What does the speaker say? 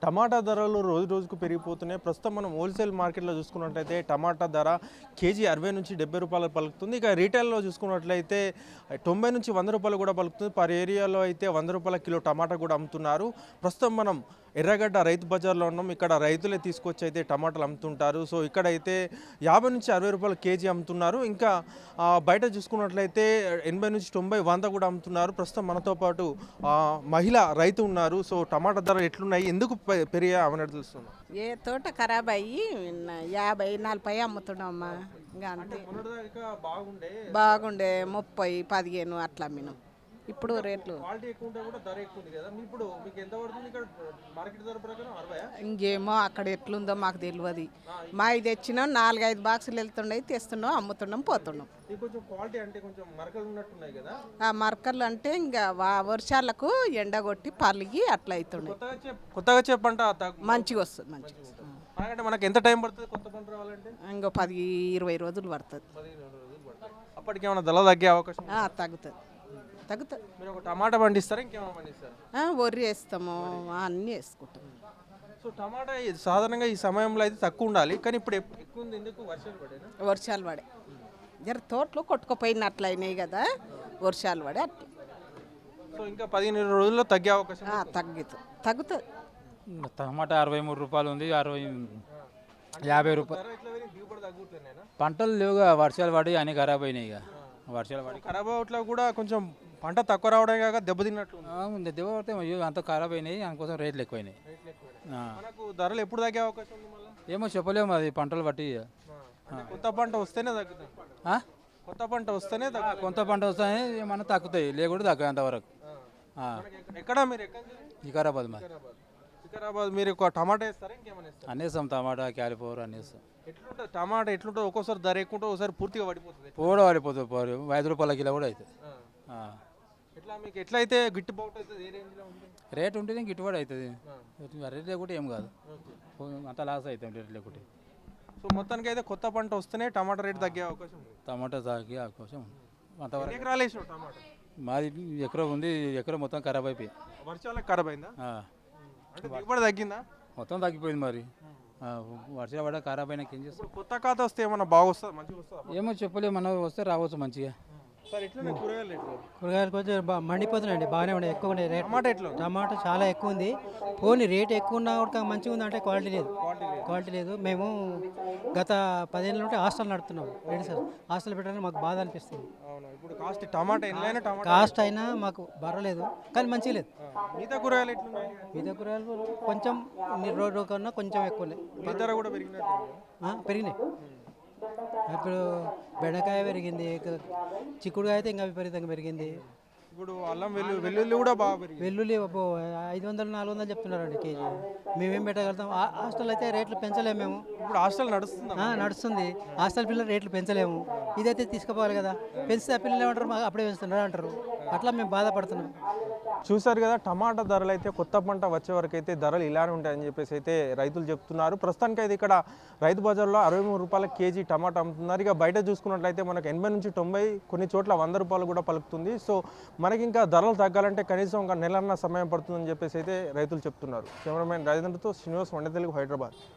టమాటా ధరలు రోజు రోజుకు పెరిగిపోతున్నాయి. ప్రస్తుతం మనం హోల్సేల్ మార్కెట్లో చూసుకున్నట్లయితే టమాటా ధర కేజీ 60 నుంచి 70 రూపాయలు పలుకుతుంది. ఇక రీటైల్లో చూసుకున్నట్లయితే 90 నుంచి 100 రూపాయలు కూడా పలుకుతుంది. పర్ ఏరియాలో అయితే 100 రూపాయల కిలో టమాటా కూడా అమ్ముతున్నారు. ప్రస్తుతం మనం ఎర్రగడ్డ రైతు బజార్లో ఉన్నాం. ఇక్కడ రైతులే తీసుకొచ్చి అయితే టమాటాలు అమ్ముతుంటారు. సో ఇక్కడైతే 50 నుంచి 60 రూపాయలు కేజీ అమ్ముతున్నారు. ఇంకా బయట చూసుకున్నట్లయితే 80 నుంచి 90, 100 కూడా అమ్ముతున్నారు. ప్రస్తుతం మనతో పాటు మహిళ రైతు ఉన్నారు. సో టమాటా ధరలు ఎట్లున్నాయి, ఎందుకు పెరిగా అవన్నీ తెలుస్తుంది. ఏ తోట ఖరాబ్ అయ్యి 50, 40 అమ్ముతున్నామ్మా. ఇంకా అంతే. బాగుండే 30, 15 అట్లా అమ్మినాం. ఇప్పుడు రేట్లు క్వాలిటీ ఎక్కువ ఉంటే కూడా ధర ఎక్కువ ఉంది కదా. ఇప్పుడు మీకు ఎంత పడుతుంది ఇక్కడ మార్కెట్ ధర ప్రకారం? 60. ఇంకేమో అక్కడ ఎట్లుందో మాకు తెలియదు. మా ఇది తెచ్చినాం 4-5 బాక్సులు వెళ్తున్నాయి, తెస్తున్నాం, అమ్ముతున్నాం, పోతున్నాం. కొంచెం క్వాలిటీ అంటే కొంచెం మరకలు ఉన్నట్టున్నాయి కదా. ఆ మరకలు అంటే ఇంకా వర్షాలకు ఎండగొట్టి పలిగి అట్లా అవుతున్నాయి. కొత్తగా చెప్పంట మంచిగా వస్తుంది, మంచిగా వస్తుంది. అంటే మనకి ఎంత టైం పడుతుంది కొత్త పంట రావాలంటే? ఇంకో 10-20 రోజులు పడుతుంది. అప్పటికి ఏమైనా ధర తగ్గే అవకాశం? తగ్గుతుంది. మీరు ఒక టమాటా పండిస్తారా, ఇంకేమైనా పండిస్తారా? వరి వేస్తాము, అన్నీ వేసుకుంటాం. సో టమాటా సాధారణంగా ఈ సమయంలో అయితే తక్కువ ఉండాలి, కానీ ఇప్పుడు ఎక్కువ ఉంది. ఎందుకు? వర్షాలు పడే జర తోటలు కొట్టుకుపోయినట్లు అయినాయి కదా, వర్షాలు పడే అట్లా. సో ఇంకా 15 రోజుల్లో తగ్గే అవకాశం? తగ్గుతుంది. టమాటా 63 రూపాయలు ఉంది, 50 రూపాయలు. పంటలు లేవుగా, వర్షాలు పడి అన్ని ఖరాబ్ అయినాయి. ఇక వర్షాలు పడి ఖరాబ్ అవట్లో కూడా కొంచెం పంట తక్కువ రావడం కాక దెబ్బతిన్నట్టు దెబ్బపడితే అంత ఖరాబ్ అయినాయి, అందుకోసం రేట్లు ఎక్కువైనాయి. మనకు ధరలు ఎప్పుడు తగ్గే అవకాశం ఉంది? ఏమో చెప్పలేము, అది పంటలు బట్టి. కొత్త పంట వస్తేనే తగ్గుతుంది. కొత్త పంట వస్తేనే కొత్త పంట వస్తేనే ఏమన్నా తగ్గుతాయి, లేకుండా తగ్గాయి అంతవరకు. ఎక్కడ మీరు? వికారాబాద్. వికారాబాద్. మీరు టమాటా వేస్తారా, ఇంకేమైనా? అన్నేస్తాం, టమాటా, క్యాలిఫ్లవర్ అన్నేస్తాం. ఎట్లుంటుంది టమాటా? ఎట్లుంటుంది? ఒక్కోసారి ధర ఎక్కువ ఉంటుంది, ఒకసారి పూర్తిగా పడిపోతుంది. పడిపోతుంది. 5 రూపాయల కిలో కూడా అవుతుంది. ఎట్లా మీకు ఎట్లయితే గిట్టుబాటు అవుతుంది? ఏ రేంజ్లో ఉంటుంది? రేట్ ఉంటేనే గిట్టుబాటు అవుతుంది. రేట్ లేకుంటే ఏం కాదు, అంత లాస్ అవుతుంది రేట్ లేకుంటే. సో మొత్తానికి అయితే కొత్త పంట వస్తేనే టమాటా రేటు తగ్గే అవకాశం ఉంది. టమాటా తగ్గే అవకాశం ఉంది. అంతవరకు ఎకరాలు వేసావు టమాటా? మాది ఎకరం ఉంది, ఎకరం మొత్తం ఖరాబ్ అయిపోయి. వర్షాలకు ఖరాబ్ అయిందా? అంటే దిగుబడి తగ్గిందా? మొత్తం తగ్గిపోయింది. మరి వర్షాలు పడ ఖరాబ్ అయినాక ఏం చేస్తాం? కొత్త ఖాతా వస్తే ఏమన్నా బాగా వస్తుంది, మంచిగా వస్తుంది? ఏమో చెప్పలేము, మనం వస్తే రావచ్చు మంచిగా. కూరగాయలు కొంచెం మండిపోతున్నాయండి, బాగానే ఉన్నాయి, ఎక్కువ ఉన్నాయి రేట్. టమాటా ఎట్లా? టమాటా చాలా ఎక్కువ ఉంది. పోనీ రేట్ ఎక్కువ ఉన్నా కూడా మంచిగా ఉంది అంటే క్వాలిటీ లేదు. మేము గత 10 ఏళ్ళ నుండి హాస్టల్ నడుపుతున్నాం. ఏంటి సార్, హాస్టల్ పెట్టాలని మాకు బాధ అనిపిస్తుంది. ఇప్పుడు కాస్ట్ టమాటా కాస్ట్ అయినా మాకు బరలేదు, కానీ మంచిగా లేదు. మిగతా కూరగాయలు ఎట్లున్నాయి? మిగతా కూరగాయలు కొంచెం రోజు కన్నా కొంచెం ఎక్కువ ధర కూడా పెరిగినాయి. ఇప్పుడు బెండకాయ పెరిగింది, చిక్కుడుకాయ అయితే ఇంకా విపరీతంగా పెరిగింది. ఇప్పుడు అల్లం వెల్లుల్లి కూడా బాగా పెరిగింది. వెల్లుల్లి 500, 400 చెప్తున్నారండి కేజీ. మేమేం పెట్టగలుగుతాం? హాస్టల్ అయితే రేట్లు పెంచలేము మేము. ఇప్పుడు హాస్టల్ నడుస్తుంది. హాస్టల్ పిల్లలు రేట్లు పెంచలేము. ఇదైతే తీసుకుపోవాలి కదా, పెంచితే ఆ పిల్లలు ఏమంటారు, మాకు అప్పుడే పెంచుతున్నారు అంటారు. అట్లా మేము బాధపడుతున్నాం. చూసారు కదా, టమాటా ధరలు అయితే కొత్త పంట వచ్చే వరకు అయితే ధరలు ఇలానే ఉంటాయని చెప్పేసి అయితే రైతులు చెప్తున్నారు. ప్రస్తుతానికి అయితే ఇక్కడ రైతు బజార్లో 63 రూపాయల కేజీ టమాటా అమ్ముతున్నారు. ఇక బయట చూసుకున్నట్లయితే మనకు 80 నుంచి 90, కొన్ని చోట్ల 100 రూపాయలు కూడా పలుకుతుంది. సో మనకి ఇంకా ధరలు తగ్గాలంటే కనీసం ఒక నెలన్న సమయం పడుతుందని చెప్పేసి అయితే రైతులు చెప్తున్నారు. కెమెరామెన్ రాజేంద్రతో శ్రీనివాస్, వండే తెలుగు, హైదరాబాద్.